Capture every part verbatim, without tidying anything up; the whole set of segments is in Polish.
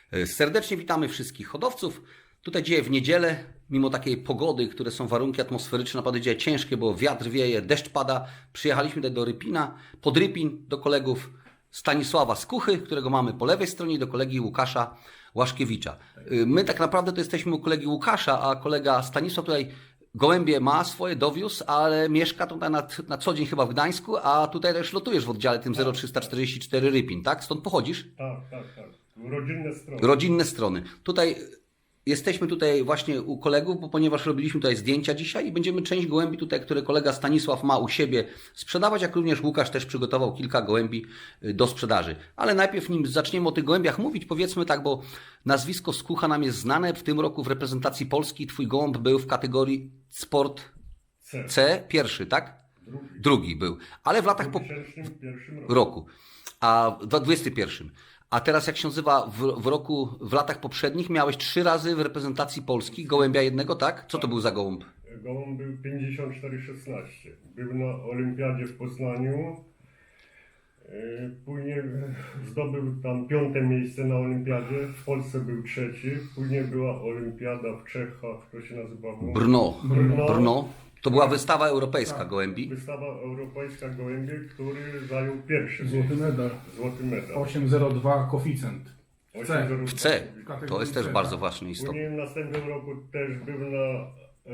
Serdecznie witamy wszystkich hodowców. Tutaj dzisiaj w niedzielę, mimo takiej pogody, które są warunki atmosferyczne, naprawdę dzisiaj ciężkie, bo wiatr wieje, deszcz pada. Przyjechaliśmy tutaj do Rypina, pod Rypin, do kolegów Stanisława Skuchy, którego mamy po lewej stronie, i do kolegi Łukasza Łaszkiewicza. My tak naprawdę to jesteśmy u kolegi Łukasza, a kolega Stanisław tutaj gołębie ma swoje, dowiózł, ale mieszka tutaj na, na co dzień chyba w Gdańsku, a tutaj też lotujesz w oddziale tym zero trzysta czterdzieści cztery Rypin, tak? Stąd pochodzisz? Tak, tak, tak. Rodzinne strony. Rodzinne strony. Tutaj jesteśmy tutaj właśnie u kolegów, bo ponieważ robiliśmy tutaj zdjęcia dzisiaj i będziemy część gołębi tutaj, które kolega Stanisław ma u siebie sprzedawać, jak również Łukasz też przygotował kilka gołębi do sprzedaży. Ale najpierw, nim zaczniemy o tych gołębiach mówić, powiedzmy tak, bo nazwisko Skucha nam jest znane. W tym roku w reprezentacji Polski twój gołąb był w kategorii Sport C. C, pierwszy, tak? Drugi. Drugi był. Ale w latach po W dwa tysiące pierwszym roku. roku. A w dwudziestym pierwszym. A teraz jak się nazywa w, w roku, w latach poprzednich miałeś trzy razy w reprezentacji Polski gołębia jednego, tak? Co to był za gołąb? Gołąb był pięćdziesiąt cztery szesnaście. Był na olimpiadzie w Poznaniu. Yy, Później zdobył tam piąte miejsce na olimpiadzie. W Polsce był trzeci. Później była olimpiada w Czechach, to się nazywało Brno. Brno. Brno. To była wystawa europejska gołębi. Wystawa europejska gołębi, który zajął pierwszy Złoty miejsce. medal. Złoty medal. osiem zero dwa koeficjent. osiem C. zero W C. Kategorii To jest też C, bardzo tak. ważny istotny. Później w następnym roku też był na, e,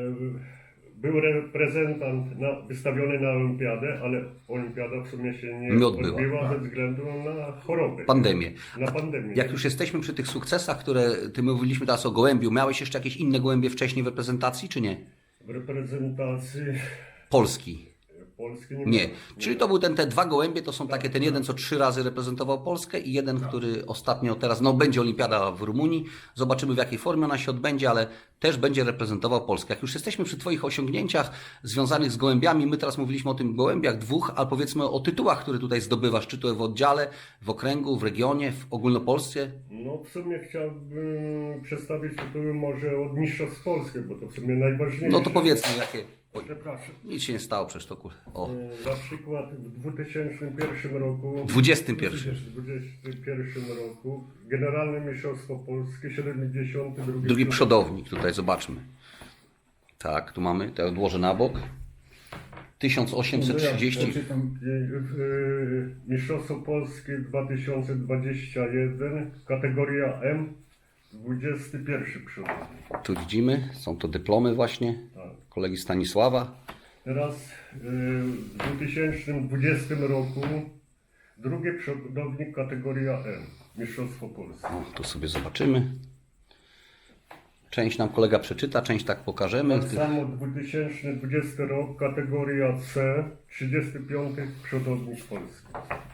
był reprezentant na, wystawiony na olimpiadę, ale olimpiada w sumie się nie Nie odbyła. odbyła ze względu na chorobę. Pandemię. Na pandemię. Jak już jesteśmy przy tych sukcesach, które ty mówiliśmy teraz o gołębiu, miałeś jeszcze jakieś inne gołębie wcześniej w reprezentacji, czy nie? W reprezentacji Polski. Polski nie Nie. miałem. Czyli to był ten, te dwa gołębie, to są takie, ten jeden, co trzy razy reprezentował Polskę i jeden, który ostatnio teraz, no będzie olimpiada w Rumunii. Zobaczymy, w jakiej formie ona się odbędzie, ale też będzie reprezentował Polskę. Jak już jesteśmy przy twoich osiągnięciach związanych z gołębiami, my teraz mówiliśmy o tym gołębiach dwóch, ale powiedzmy o tytułach, które tutaj zdobywasz, czy to w oddziale, w okręgu, w regionie, w ogólnopolsce. No w sumie chciałbym przedstawić tytuły może od Mistrzostw Polski, bo to w sumie najważniejsze. No to powiedzmy, jakie... Oj, Przepraszam. nic się nie stało przecież to kur... O, E, Na przykład w dwa tysiące pierwszym roku dwudziestym pierwszym. W dwa tysiące pierwszym roku Generalne Mistrzostwo Polskie siedemdziesiąty drugi Drugi przodownik, tutaj zobaczmy. Tak, tu mamy, to odłożę na bok. tysiąc osiemset trzydzieści. Czytam. Mistrzostwo Polskie dwa tysiące dwudziesty pierwszy, kategoria M, dwudziesty pierwszy przodownik. Tu widzimy, są to dyplomy właśnie Tak. kolegi Stanisława. Teraz y, w dwa tysiące dwudziestym roku drugi przodownik kategoria M, Mistrzostwo Polskie. O, tu sobie zobaczymy. Część nam kolega przeczyta, część tak pokażemy. Tak samo dwa tysiące dwudziesty rok, kategoria C, trzydziesty piąty przodownik Polski.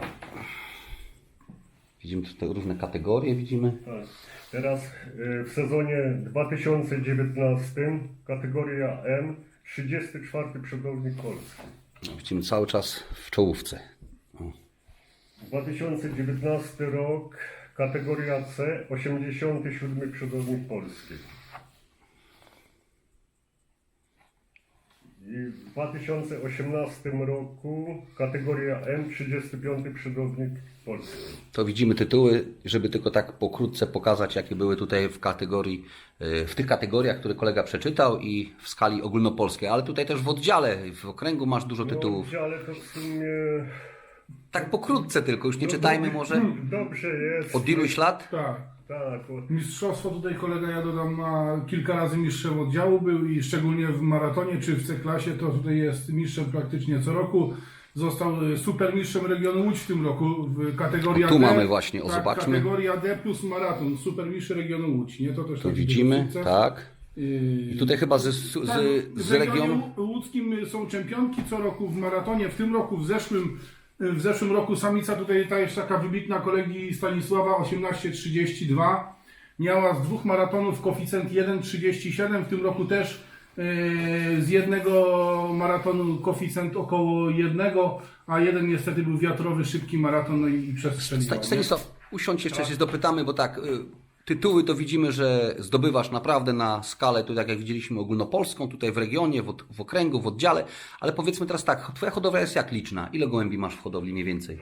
Widzimy tutaj różne kategorie, widzimy. Tak. Teraz y, w sezonie dwa tysiące dziewiętnastym, kategoria M, trzydziesty czwarty przodownik Polski. No, widzimy cały czas w czołówce. O. dwa tysiące dziewiętnasty rok, kategoria C, osiemdziesiąty siódmy przodownik Polski. I w dwa tysiące osiemnastym roku kategoria M, trzydziesty piąty przodownik Polski. To widzimy tytuły, żeby tylko tak pokrótce pokazać, jakie były tutaj w kategorii, y, w tych kategoriach, które kolega przeczytał i w skali ogólnopolskiej. Ale tutaj też w oddziale, w okręgu masz dużo tytułów. No, ale to w sumie... Tak pokrótce tylko, już nie czytajmy może. Dobrze jest. Od iluś lat? Tak. Tak, od... Mistrzostwo tutaj kolega, ja dodam, ma kilka razy mistrzem oddziału był i szczególnie w maratonie czy w C-klasie to tutaj jest mistrzem praktycznie co roku. Został supermistrzem regionu Łódź w tym roku w kategorii A tu D. mamy właśnie, o, tak, zobaczmy. Kategoria D plus maraton, supermistrz regionu Łódź, nie? To też Tu taki widzimy, sukces. tak. Yy, I tutaj chyba z, z, tak, z, z w regionie regionu. łódzkim są czempionki co roku w maratonie. W tym roku, w zeszłym, w zeszłym roku samica tutaj ta jest taka wybitna kolegi Stanisława osiemnaście trzydzieści dwa. Miała z dwóch maratonów koeficjent jeden trzydzieści siedem. W tym roku też yy, z jednego maratonu koeficjent około jednego, a jeden niestety był wiatrowy, szybki maraton, no i przestrzeliwał. Sta- Stanisław, usiądź jeszcze się dopytamy, bo tak, y, tytuły to widzimy, że zdobywasz naprawdę na skalę, tu tak jak widzieliśmy, ogólnopolską, tutaj w regionie, w, od- w okręgu, w oddziale, ale powiedzmy teraz tak, twoja hodowla jest jak liczna? Ile gołębi masz w hodowli mniej więcej?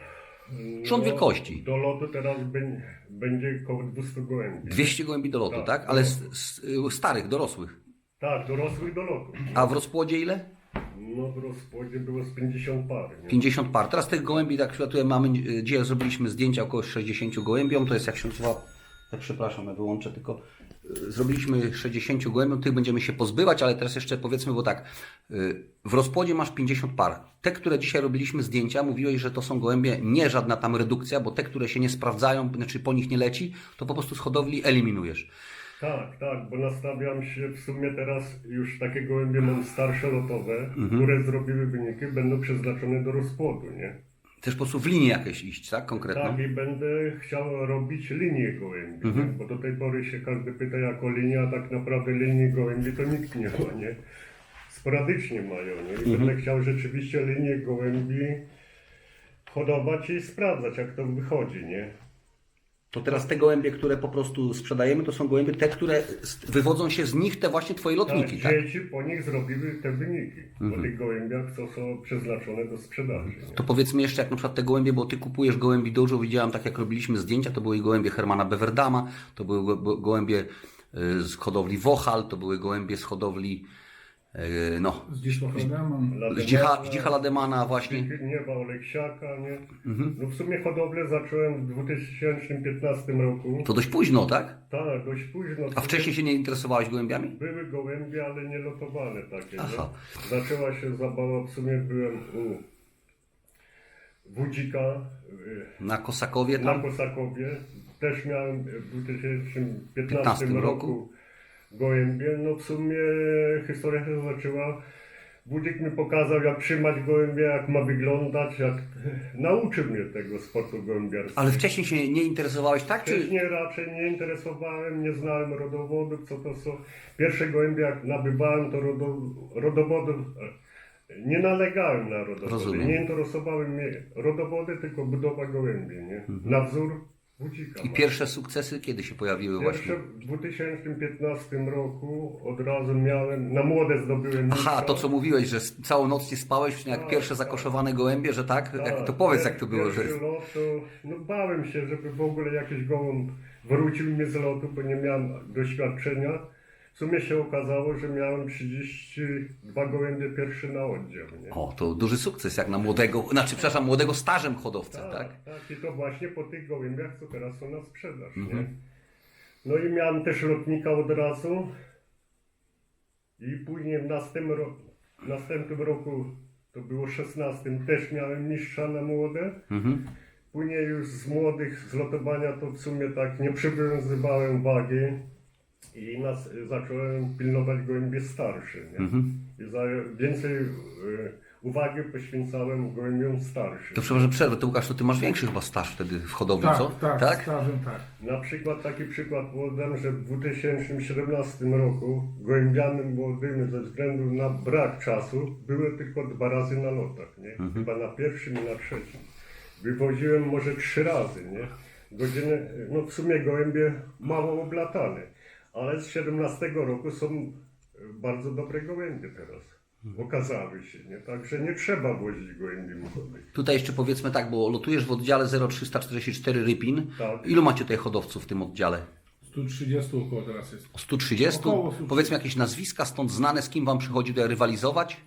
Rząd wielkości. Do lotu teraz bę- będzie około dwieście gołębi. dwieście gołębi do lotu, tak? Tak, Ale do s- s- starych, dorosłych. Tak, dorosłych do lotu. A w rozpłodzie ile? No w rozpłodzie było z pięćdziesiąt par. Nie? pięćdziesiąt par. Teraz tych gołębi, tak tutaj mamy, y, gdzie zrobiliśmy zdjęcia około sześćdziesiąt gołębiom, to jest jak się nazywa, tak przepraszam, ja wyłączę tylko, y, zrobiliśmy sześćdziesiąt gołębiom, tych będziemy się pozbywać, ale teraz jeszcze powiedzmy, bo tak, y, w rozpłodzie masz pięćdziesiąt par. Te, które dzisiaj robiliśmy zdjęcia, mówiłeś, że to są gołębie, nie żadna tam redukcja, bo te, które się nie sprawdzają, znaczy po nich nie leci, to po prostu z hodowli eliminujesz. Tak, tak, bo nastawiam się w sumie teraz już takie gołębie mam starsze lotowe, Mhm. które zrobiły wyniki, będą przeznaczone do rozpłodu, nie? Też po prostu w linii jakieś iść, tak? Konkretną. Tak, i będę chciał robić linię gołębi, Mhm. nie? Bo do tej pory się każdy pyta jako linia, a tak naprawdę linii gołębi to nikt nie ma, nie? Sporadycznie mają, nie? I Mhm. będę chciał rzeczywiście linię gołębi hodować i sprawdzać, jak to wychodzi, nie? To teraz te gołębie, które po prostu sprzedajemy, to są gołębie te, które z- wywodzą się z nich te właśnie twoje lotniki, tak? Dzieci po nich zrobiły te wyniki, Mhm. po tych gołębiach, co są przeznaczone do sprzedaży. Nie? To powiedzmy jeszcze, jak na przykład te gołębie, bo ty kupujesz gołębi dużo, widziałem tak jak robiliśmy zdjęcia, to były gołębie Hermana Beverdama, to były go- go- gołębie y, z hodowli Wochal, to były gołębie z hodowli y, no, Z dziś mam. Zdzicha, Zdzicha Lademana właśnie. Nieba Oleksiaka, nie? Mhm. No w sumie hodowlę zacząłem w dwa tysiące piętnastym roku. To dość późno, tak? Tak, dość późno. A wcześniej się nie interesowałeś gołębiami? Były gołębie, ale nie lotowane takie, Aha. nie? Zaczęła się zabawa, w sumie byłem u Wudzika y, Na Kosakowie na tam? Kosakowie. Też miałem w dwa tysiące piętnastym piętnastym roku. roku gołębie. No w sumie historia się zaczęła. Wódzik mi pokazał, jak trzymać gołębie, jak ma wyglądać, jak nauczył mnie tego sportu gołębiarskiego. Ale wcześniej się nie interesowałeś, tak? Czy... Wcześniej raczej nie interesowałem, nie znałem rodowodów, co to są. Pierwsze gołębie jak nabywałem, to rodo, rodowodów e, nie nalegałem na rodowody. Rozumiem. Nie interesowały mnie rodowody, tylko budowa gołębi, nie? Na wzór Wódzika. I pierwsze sukcesy kiedy się pojawiły właśnie? Pierwsze w dwa tysiące piętnastym roku od razu miałem, na młode zdobyłem Aha, mistrza. to co mówiłeś, że s- całą noc nie spałeś, jak Tak, pierwsze tak. zakoszowane gołębie, że tak? Tak, jak, to powiedz pier- jak to było, że... pierwszy lot, to, no bałem się, żeby w ogóle jakiś gołąb wrócił mnie z lotu, bo nie miałem doświadczenia. W sumie się okazało, że miałem trzydzieści dwa gołębie pierwszy na oddział, nie? O, to duży sukces jak na młodego, znaczy przepraszam, młodego stażem hodowcę, tak? Tak, tak, i to właśnie po tych gołębiach, co teraz są na sprzedaż, Mhm. nie? No i miałem też lotnika od razu i później w następnym, ro- w następnym roku, to było szesnastym, też miałem mistrza na młode. Mhm. Później już z młodych, z lotowania to w sumie tak nie przywiązywałem wagi i nas, zacząłem pilnować gołębie starsze, nie? Mhm. I za, więcej y, uwagi poświęcałem gołębiom starszym. To przepraszam, przerwę, to Łukasz, to ty masz większy chyba staż wtedy w hodowli, Tak, co? tak, stażem tak. Na przykład taki przykład podam, że w dwa tysiące siedemnastym roku gołębiami młodymi ze względu na brak czasu były tylko dwa razy na lotach, nie? Mhm. Chyba na pierwszym i na trzecim. Wywoziłem może trzy razy, nie? Godziny, no w sumie gołębie mało oblatane, ale z siedemnastego roku są bardzo dobre gołębie teraz. Okazały się, nie? Także nie trzeba wozić gołębi młodych. Tutaj jeszcze powiedzmy tak, bo lotujesz w oddziale zero trzysta czterdzieści cztery Rypin. Tak. Ilu macie tutaj hodowców w tym oddziale? sto trzydzieści około teraz jest. sto trzydzieści? Około stu. Powiedzmy jakieś nazwiska stąd znane, z kim wam przychodzi tutaj rywalizować?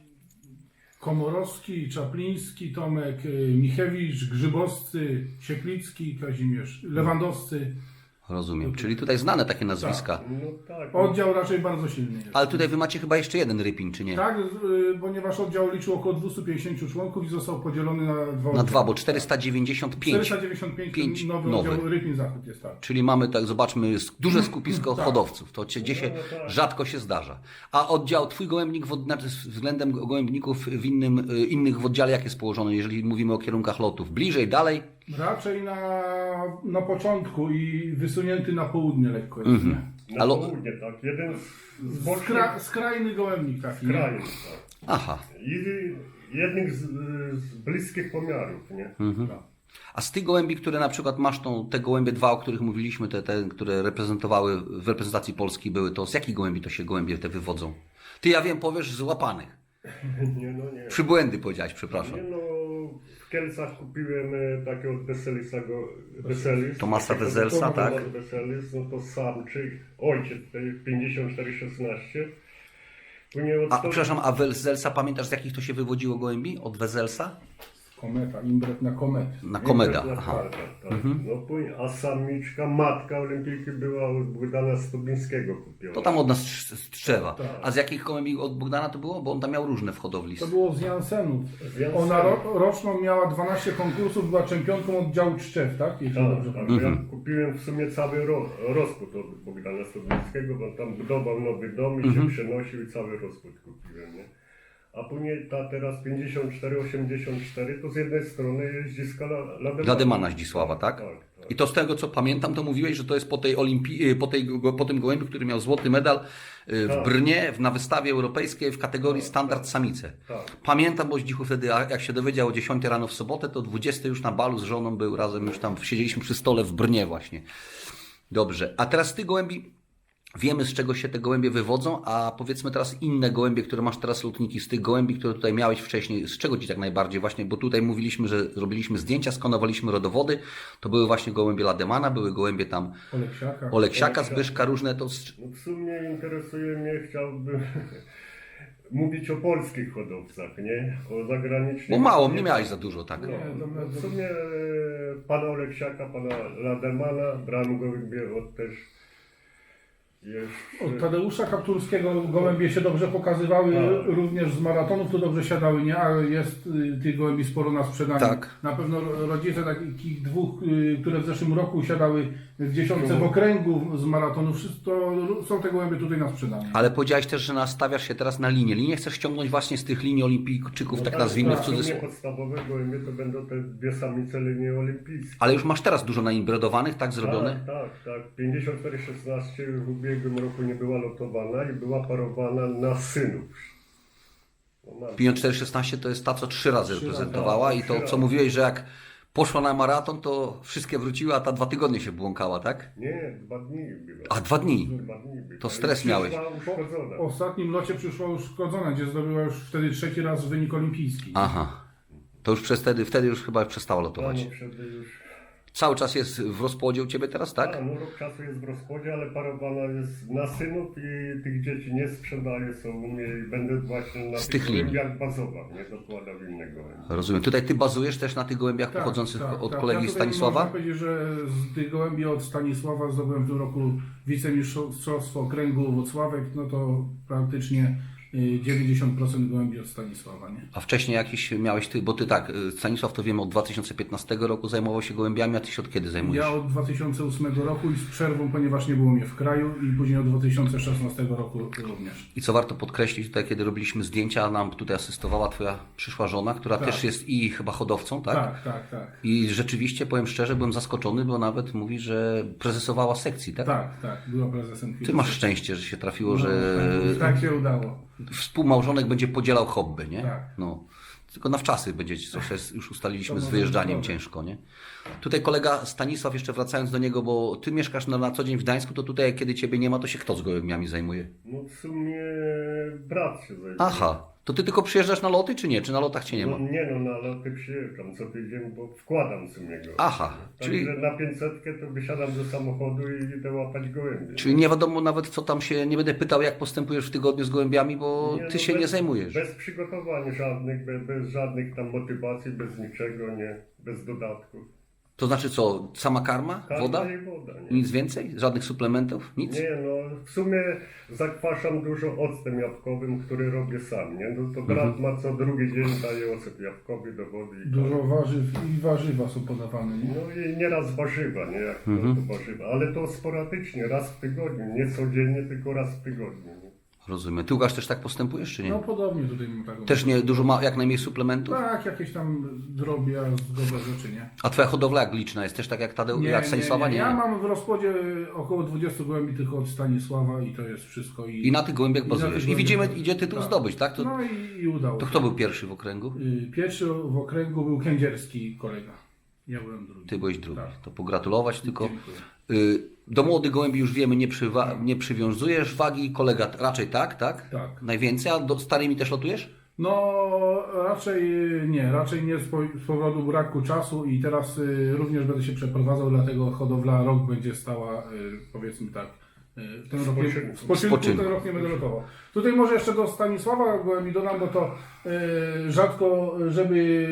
Komorowski, Czapliński, Tomek, y, Michewicz, Grzybowscy, Sieklicki, Kazimierz, Lewandowscy. Rozumiem, czyli tutaj znane takie nazwiska. No tak. Oddział raczej bardzo silny jest. Ale tutaj wy macie chyba jeszcze jeden Rypin, czy nie? Tak, y, ponieważ oddział liczył około dwieście pięćdziesiąt członków i został podzielony na dwa Na oddziały. dwa, bo czterysta dziewięćdziesiąt pięć. czterysta dziewięćdziesiąt pięć Pięć nowy, nowy. oddział Rypin Zachód jest tak. Czyli mamy, tak zobaczmy, sk- duże skupisko Tak. hodowców. To gdzie się No, no tak. rzadko się zdarza. A oddział, twój gołębnik w, od- znaczy względem gołębników w innym, y, innych w oddziale jak jest położony, jeżeli mówimy o kierunkach lotów? Bliżej, dalej? Raczej na, na początku i wysunięty na południe lekko jest. Mhm. nie? Na Ale- południe, tak. Jeden z, z bocznych Skra, skrajny gołębnik taki. nie? krajów, tak. Aha. I jednych z, z bliskich pomiarów, nie? Tak. A z tych gołębi, które na przykład masz tą, te gołębie dwa, o których mówiliśmy, te, te, które reprezentowały w reprezentacji Polski były, to z jakich gołębi to się gołębie te wywodzą? Ty, ja wiem, powiesz, z łapanych. Nie, no nie. Przybłędy powiedziałeś, przepraszam. Nie, no, Kielcach kupiłem e, takiego Weselisa, go, Weselis. Tomasa takiego Weselsa, Tomasz tak? Weselis, no to samczyk, ojciec, tej pięćdziesiąt cztery szesnaście. Później od A sto- przepraszam, a Wezelsa pamiętasz z jakich to się wywodziło gołębi? Od Wezelsa? Kometa, imbret na komet. Na Komeda. Na Aha. Komeda, tak. No później, a samiczka, matka olimpijki była od Bogdana Stubińskiego kupiona. To tam od nas z z Trzewa. Tak. A z jakich gołębi od Bogdana to było? Bo on tam miał różne w hodowli. To było z Jansenów. Z Jansenów. Ona ro, roczną miała dwanaście konkursów, była czempionką oddziału Czczew, tak? Jeśli Tak, dobrze tak. pamiętam. Ja kupiłem w sumie cały ro, rozpód od Bogdana Stubińskiego, bo tam budował nowy dom i Mhm. się przenosił i cały rozpód kupiłem, nie? A później ta teraz pięćdziesiąt cztery osiemdziesiąt cztery to z jednej strony jest Zdziska Lademana. Lademana Zdzisława, tak? Tak, tak. I to z tego co pamiętam, to mówiłeś, że to jest po tej olimpii, po, tej, po tym gołębiu, który miał złoty medal y, w Tak. Brnie w- na wystawie europejskiej w kategorii standard samice. Tak. Pamiętam, bo Zdzichu wtedy, a jak się dowiedział o dziesiątej rano w sobotę, to o dwudziestej już na balu z żoną był razem, już tam siedzieliśmy przy stole w Brnie właśnie. Dobrze, a teraz ty gołębi, wiemy z czego się te gołębie wywodzą, a powiedzmy teraz inne gołębie, które masz teraz lotniki, z tych gołębi, które tutaj miałeś wcześniej, z czego ci tak najbardziej właśnie, bo tutaj mówiliśmy, że robiliśmy zdjęcia, skanowaliśmy rodowody, to były właśnie gołębie Lademana, były gołębie tam Oleksiaka. Oleksiaka, Zbyszka, różne to... z- No w sumie interesuje mnie, chciałbym mówić o polskich hodowcach, nie? O zagranicznych. Bo mało, nie miałeś za dużo, tak? No, Nie, to- no w sumie e, pana Oleksiaka, pana Lademana, brałem gołębie od też jeszcze... Od Tadeusza Kapturskiego gołębie się dobrze pokazywały, Tak. również z maratonów to dobrze siadały, nie? Ale jest y, tych gołębi sporo na sprzedaniu. Tak. Na pewno ro- rodzice takich dwóch, y, które w zeszłym roku siadały w dziesiątce No. w okręgu z maratonów, wszystko są te gołębie tutaj na sprzedaniu. Ale powiedziałeś też, że nastawiasz się teraz na linię. Linię chcesz ściągnąć właśnie z tych linii olimpijczyków, No tak nazwijmy w tak, w sumie cudzysłowie. podstawowe gołębie to będą te dwie samice linii olimpijskie. Ale już masz teraz dużo nainbredowanych, tak zrobione? Tak, tak, tak. pięćdziesiąt cztery szesnaście w ubiegłym roku nie była lotowana i była parowana na synów. No, mam. pięćdziesiąt cztery szesnaście to jest ta, co trzy razy Trzy reprezentowała razy, i trzy to, co razy. mówiłeś, że jak poszła na maraton, to wszystkie wróciły, a ta dwa tygodnie się błąkała, tak? Nie, dwa dni była. A, dwa dni? Dwa dni była. To stres I miałeś. przyszła uszkodzona. W ostatnim locie przyszła już uszkodzona, gdzie zdobyła już wtedy trzeci raz wynik olimpijski. Aha. To już przez wtedy, wtedy już chyba przestała No, lotować. no, wtedy już... Cały czas jest w rozpłodzie u Ciebie teraz, tak? A, no rok czasu jest w rozchodzie, ale parowana jest na synów i tych dzieci nie sprzedaje, są u mnie i będę właśnie na Z tych tych linii. gołębiach bazował, nie dokładał innego. Rozumiem. Tutaj Ty bazujesz też na tych gołębiach pochodzących od kolegi Tak, Ja tutaj Stanisława? Można powiedzieć, że z tych gołębi od Stanisława zdobyłem w tym roku wicemistrzostwo okręgu Włocławek, no to praktycznie y, dziewięćdziesiąt procent gołębi od Stanisława, nie? A wcześniej jakiś miałeś Ty, bo Ty tak, y, Stanisław to wiemy od dwa tysiące piętnastego roku zajmował się gołębiami, a Ty się od kiedy zajmujesz? Ja od dwa tysiące ósmego roku i z przerwą, ponieważ nie było mnie w kraju i później od dwa tysiące szesnastego roku również. I co warto podkreślić, tutaj kiedy robiliśmy zdjęcia, nam tutaj asystowała Twoja przyszła żona, która Tak. też jest i chyba hodowcą, tak? Tak, tak, tak. I rzeczywiście, powiem szczerze, byłem zaskoczony, bo nawet mówi, że prezesowała sekcji, tak? Tak, tak, była prezesem Ty masz szczęście, że się trafiło, No, że tak się udało. współmałżonek będzie podzielał hobby, nie? Tak. No. Tylko na wczasy będziecie, coś jest, już ustaliliśmy To z może wyjeżdżaniem być dobre. ciężko, nie? Tutaj kolega Stanisław, jeszcze wracając do niego, bo Ty mieszkasz na, na co dzień w Gdańsku, to tutaj kiedy Ciebie nie ma, to się kto z gołębiami zajmuje? No w sumie brat się zajmuje. Aha, to Ty tylko przyjeżdżasz na loty, czy nie? Czy na lotach Cię nie ma? No, nie no, na loty przyjeżdżam co tydzień, bo wkładam w sumie go. Aha, czyli, Także na pięćsetkę to wysiadam do samochodu i idę łapać gołębie. czyli nie wiadomo nawet co tam się, nie będę pytał jak postępujesz w tygodniu z gołębiami, bo Nie, Ty no, się bez, nie zajmujesz. Bez przygotowań żadnych, bez, bez żadnych tam motywacji, bez niczego, nie, bez dodatków. To znaczy co, sama karma? Karma Woda? i woda, nie? Nic więcej? Żadnych suplementów? Nic? Nie no, w sumie zakwaszam dużo octem jabłkowym, który robię sam, nie? No to brat Mhm. ma co drugi dzień daje ocet jabłkowy do wody i Dużo warzyw i warzywa są podawane, nie? No i nieraz warzywa, nie? Jak to, Mhm. to warzywa, ale to sporadycznie, raz w tygodniu, nie codziennie, tylko raz w tygodniu. Nie? Rozumiem. Ty Łukasz też tak postępujesz, czy nie? No podobnie tutaj mam taką. Też nie dużo ma, jak najmniej suplementów? Tak, jakieś tam drobiazgowe rzeczy, nie? A Twoja hodowla jak liczna jest? Też tak jak Tadeu, jak Stanisława? Nie. Ja mam w rozpodzie około dwudziestu gołębi tylko od Stanisława i to jest wszystko. I, I na tych gołębiach I na tych bazujesz. I gołębiach widzimy, bazuję. idzie tytuł Tak. zdobyć, tak? To, No i, i udało to się. kto był pierwszy w okręgu? Y, Pierwszy w okręgu był kędzierski kolega. Ja byłem drugi. Ty byłeś drugi. Tak. To pogratulować tylko. Dziękuję. Y, Do młodych gołębi już wiemy, nie, przywa- nie przywiązujesz wagi, kolega t- raczej tak, tak? Tak. Najwięcej, a do starymi też lotujesz? No raczej nie, raczej nie z po- z powodu braku czasu i teraz y, również będę się przeprowadzał, dlatego hodowla rok będzie stała, y, powiedzmy tak, y, w tym roku, Spoczynku. w spoczynku Spoczynku. ten rok nie będę lotował. Tutaj może jeszcze do Stanisława Gołębi dodam, bo to y, rzadko, żeby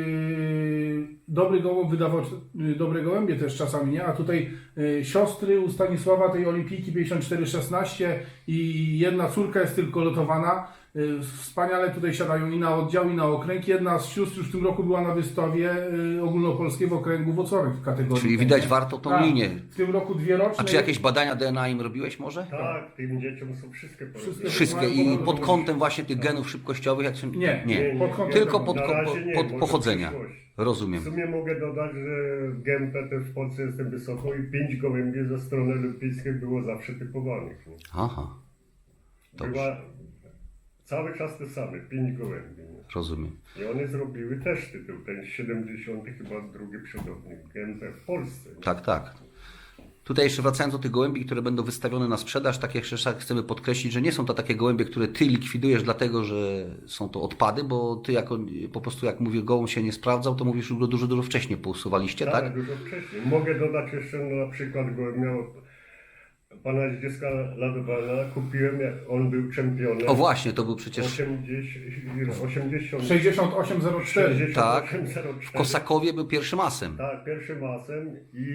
dobry gołąb wydawał y, dobre gołębie też czasami, nie? A tutaj y, siostry u Stanisława tej olimpijki pięćdziesiąt cztery szesnaście i jedna córka jest tylko lotowana. Y, Wspaniale tutaj siadają i na oddział, i na okręg. Jedna z sióstr już w tym roku była na wystawie y, ogólnopolskiego okręgu Włocławek w kategorii. Czyli tej, widać nie? warto tą Tak, linię. W tym roku dwie roczne. A czy jakieś badania D N A im robiłeś może? Tak, tym dzieciom są wszystkie porobione. Wszystkie i pod kątem właśnie tych genów szybkościowych? Jak się... Nie, nie. pod kątem- Tylko pod, Na po, razie nie, pod może pochodzenia. w przyszłości. W Rozumiem. sumie mogę dodać, że G M P też w Polsce jestem wysoko i pięć gołębi ze strony olimpijskiej było zawsze typowanych. Nie? Aha, dobrze. Była cały czas te same, pięć gołębi. Nie? rozumiem. I one zrobiły też tytuł, ten siedemdziesiąty chyba drugi przodownik G M P w Polsce. Nie? Tak, tak. Tutaj jeszcze wracając do tych gołębi, które będą wystawione na sprzedaż, tak jak jeszcze chcemy podkreślić, że nie są to takie gołębie, które ty likwidujesz dlatego, że są to odpady, bo ty jako, po prostu jak mówię, gołąb się nie sprawdzał, to mówisz, że go dużo, dużo wcześniej pousuwaliście, tak? Tak, dużo wcześniej. Mogę dodać jeszcze na przykład gołębia od pana Zdzieska Ladowala. Kupiłem, jak on był czempionem. O właśnie, to był przecież osiemdziesiąt, osiemdziesiąt, sześćdziesiąt osiem zero cztery. sześćdziesiąt Tak. osiem zero cztery. w Kosakowie był pierwszym asem. Tak, pierwszym masem i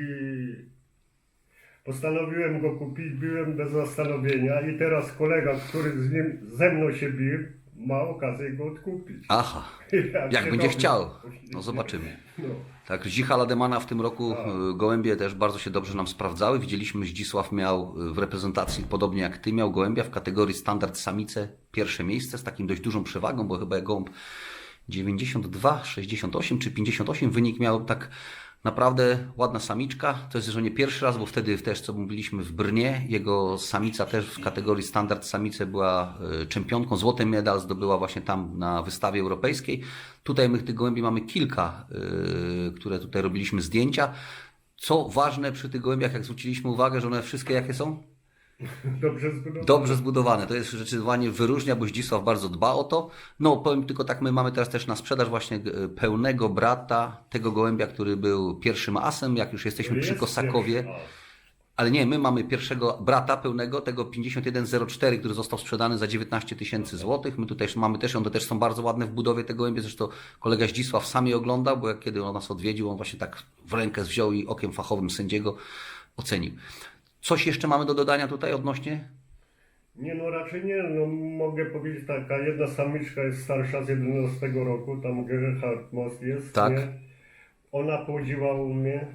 postanowiłem go kupić, byłem bez zastanowienia i teraz kolega, który z nim, ze mną się bił, ma okazję go odkupić. Aha, jak się będzie robi. chciał, no zobaczymy. No. Tak, Zdzicha Lademana w tym roku Tak. y, gołębie też bardzo się dobrze nam sprawdzały. Widzieliśmy, Zdzisław miał y, w reprezentacji, podobnie jak ty, miał gołębia w kategorii standard samice pierwsze miejsce z takim dość dużą przewagą, bo chyba gołąb dziewięćdziesiąt dwa, sześćdziesiąt osiem czy pięćdziesiąt osiem wynik miał, tak naprawdę ładna samiczka. To jest, że nie pierwszy raz, bo wtedy też, co mówiliśmy w Brnie, jego samica też w kategorii standard samice była y, czempionką. Złoty medal zdobyła właśnie tam na wystawie europejskiej. Tutaj my tych gołębi mamy kilka, y, które tutaj robiliśmy zdjęcia. Co ważne przy tych gołębiach, jak zwróciliśmy uwagę, że one wszystkie jakie są? Dobrze zbudowane. Dobrze zbudowane. To jest zdecydowanie wyróżnia, bo Zdzisław bardzo dba o to. No powiem tylko tak, my mamy teraz też na sprzedaż właśnie e, pełnego brata tego gołębia, który był pierwszym asem, jak już jesteśmy przy Jest Kosakowie. pierwszy as. Ale nie, my mamy pierwszego brata pełnego, tego pięćdziesiąt jeden zero cztery, który został sprzedany za dziewiętnaście tysięcy złotych. My tutaj mamy też, one też są bardzo ładne w budowie te gołębie. Zresztą kolega Zdzisław sam je oglądał, bo jak kiedy on nas odwiedził, on właśnie tak w rękę wziął i okiem fachowym sędziego ocenił. Coś jeszcze mamy do dodania tutaj odnośnie? Nie, no raczej nie. No, mogę powiedzieć taka, jedna samiczka jest starsza z jedenastego roku, tam Gerhard Most jest. Tak. Nie? Ona płodziła u mnie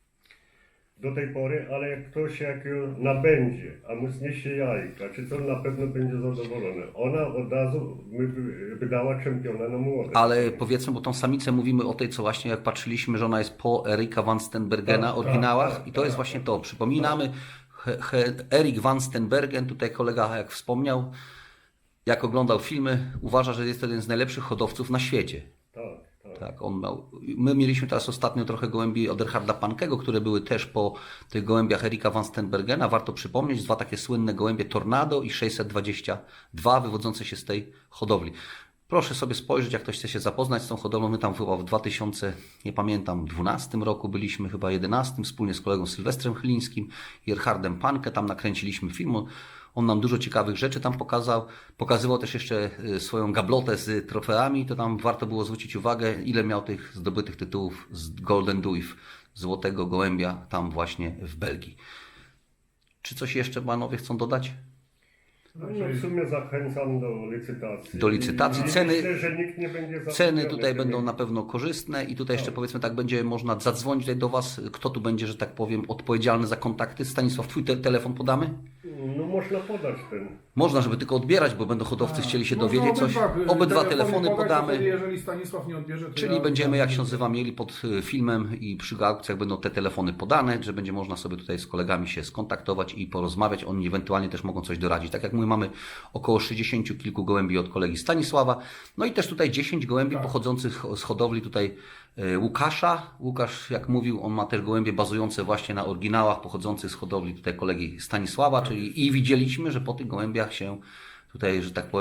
do tej pory, ale jak ktoś jak ją nabędzie, a mu zniesie jajka, czy co, na pewno będzie zadowolony. Ona od razu my wy- wydała czempiona na młode. Ale powiedzmy, bo tą samicę mówimy o tej, co właśnie jak patrzyliśmy, że ona jest po Erika van Stenbergena, Tak, oryginałach tak, i to tak, jest właśnie to. Przypominamy, he, he, Erik van Stenbergen, tutaj kolega jak wspomniał, jak oglądał filmy, uważa, że jest to jeden z najlepszych hodowców na świecie. Tak, tak. Tak, on miał. My mieliśmy teraz ostatnio trochę gołębi od Erharda Pankego, które były też po tych gołębiach Erika van Stenbergena. Warto przypomnieć, dwa takie słynne gołębie Tornado i sześćset dwadzieścia dwa wywodzące się z tej hodowli. Proszę sobie spojrzeć, jak ktoś chce się zapoznać z tą hodowlą. My tam chyba w dwa tysiące, nie pamiętam, dwunastym roku byliśmy, chyba jedenastym, wspólnie z kolegą Sylwestrem Chylińskim i Erhardem Pankę. Tam nakręciliśmy film. On nam dużo ciekawych rzeczy tam pokazał. Pokazywał też jeszcze y, swoją gablotę z trofeami. To tam warto było zwrócić uwagę, ile miał tych zdobytych tytułów z Golden Duif, złotego gołębia, tam właśnie w Belgii. Czy coś jeszcze panowie chcą dodać? No, no w sumie zachęcam do licytacji. Do licytacji. I Ceny- Myślę, że nikt nie będzie Ceny zawiedziony tutaj będą tymi- na pewno korzystne i tutaj jeszcze powiedzmy tak, będzie można zadzwonić tutaj do Was, kto tu będzie, że tak powiem, odpowiedzialny za kontakty. Stanisław, Twój te telefon podamy? No można podać ten. Można, żeby tylko odbierać, bo będą hodowcy chcieli się Można dowiedzieć coś. obydwa, Obydwa telefony telefony podać, to podamy. wtedy, jeżeli Stanisław nie odbierze, to Czyli ja- będziemy, jak się nazywa, mieli pod y, filmem i przy aukcjach będą te telefony podane, że będzie można sobie tutaj z kolegami się skontaktować i porozmawiać. Oni ewentualnie też mogą coś doradzić. Tak jak mówię, mamy około sześćdziesięciu kilku gołębi od kolegi Stanisława. No i też tutaj dziesięć gołębi Tak. pochodzących z hodowli tutaj y, Łukasza. Łukasz, jak mówił, on ma też gołębie bazujące właśnie na oryginałach pochodzących z hodowli tutaj kolegi Stanisława, czyli i widzieliśmy, że po tych gołębiach się tutaj, że tak powiem,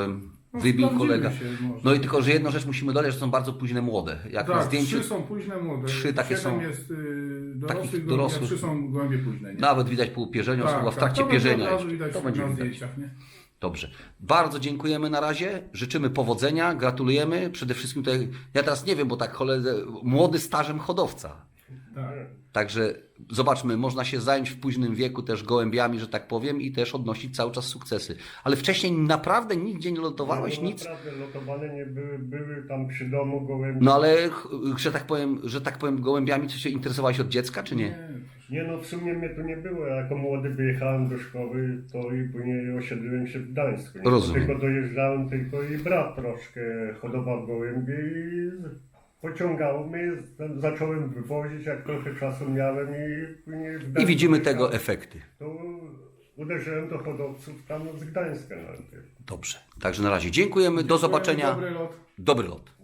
No, wybił sprawdziły kolega. się może. No i tylko, że jedną rzecz musimy dodać, że są bardzo późne młode. Jak na Tak, zdjęciu, trzy są późne młode. trzy takie Siedem są jest y, dorosłych, takich gołębi, dorosłych. a trzy są gołębie późne. Nie? nawet widać po upierzeniu, Tak, chyba w tak, trakcie to będzie pierzenia. od razu jeszcze. widać To będzie na widać. zdjęciach, nie? Dobrze. Bardzo dziękujemy na razie. Życzymy powodzenia, gratulujemy. Przede wszystkim tutaj, ja teraz nie wiem, bo tak cholerę, młody stażem hodowca. Tak. Także zobaczmy, można się zająć w późnym wieku też gołębiami, że tak powiem, i też odnosić cały czas sukcesy. Ale wcześniej naprawdę nigdzie nie lotowałeś, no, nic? Naprawdę lotowane nie były, były tam przy domu gołębie. No ale, ch- że tak powiem, że tak powiem, gołębiami coś się interesowałeś od dziecka, czy nie? Nie no, w sumie mnie to nie było. Ja jako młody wyjechałem do szkoły, to i później osiedliłem się w Gdańsku. Nie? Rozumiem. Tylko dojeżdżałem, tylko i brat troszkę hodował gołębie i pociągało mnie. Zacząłem wywozić, jak trochę czasu miałem i później w I Gdańsku widzimy mieszkałem. tego efekty. To uderzyłem do hodowców tam z Gdańska nawet. Dobrze. Także na razie dziękujemy, do zobaczenia. Dobry lot. Dobry lot.